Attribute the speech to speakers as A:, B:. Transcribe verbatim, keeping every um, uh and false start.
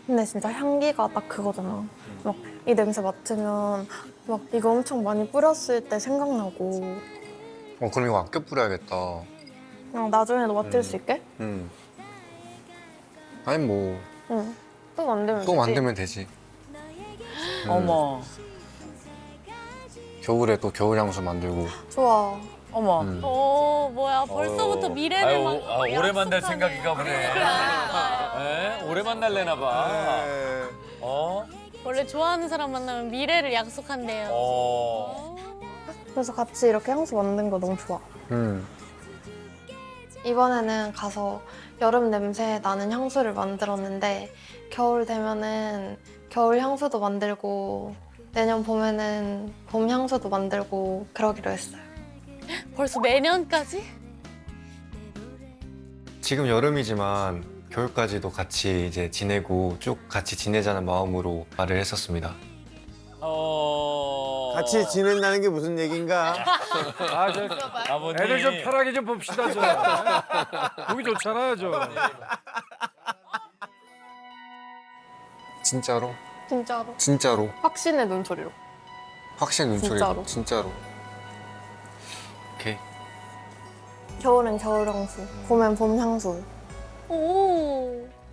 A: 근데 진짜 향기가 딱 그거잖아. 막 이 냄새 맡으면 막 이거 엄청 많이 뿌렸을 때 생각나고
B: 어, 그럼 이거 아껴 뿌려야겠다.
A: 그냥 나중에도 맡을
B: 음.
A: 수 있게?
B: 음. 아니 뭐 또
A: 응. 또 만들면 되지.
B: 만들면 되지. 음.
C: 어머,
B: 겨울에 또 겨울 향수 만들고.
A: 좋아.
C: 어머.
B: 음.
D: 오 뭐야 벌써부터 미래를
E: 아유,
D: 막
E: 아, 오래 만날
D: 약속하네.
E: 생각인가 보네. 에? 오래 만날래나 봐. 어?
D: 원래 좋아하는 사람 만나면 미래를 약속한대요.
E: 어.
A: 그래서 같이 이렇게 향수 만든 거 너무 좋아.
B: 음.
A: 이번에는 가서 여름 냄새 나는 향수를 만들었는데 겨울 되면은 겨울 향수도 만들고 내년 봄에는 봄 향수도 만들고 그러기로 했어요.
D: 벌써 내년까지?
B: 지금 여름이지만 겨울까지도 같이 이제 지내고 쭉 같이 지내자는 마음으로 말을 했었습니다.
E: 어.
F: 같이 지낸다는 게 무슨 얘긴가?
G: 아, 저
E: 아버님.
G: 애들 좀 편하게 좀 봅시다, 저. 보기 좋잖아요, 저.
B: 진짜로?
A: 진짜로.
B: 진짜로?
A: 확신의 눈소리로.
B: 확실히 눈초리로.
A: 진짜로?
B: 진짜로. 오케이.
A: 겨울엔 겨울 향수, 봄엔 봄 향수.
D: 오.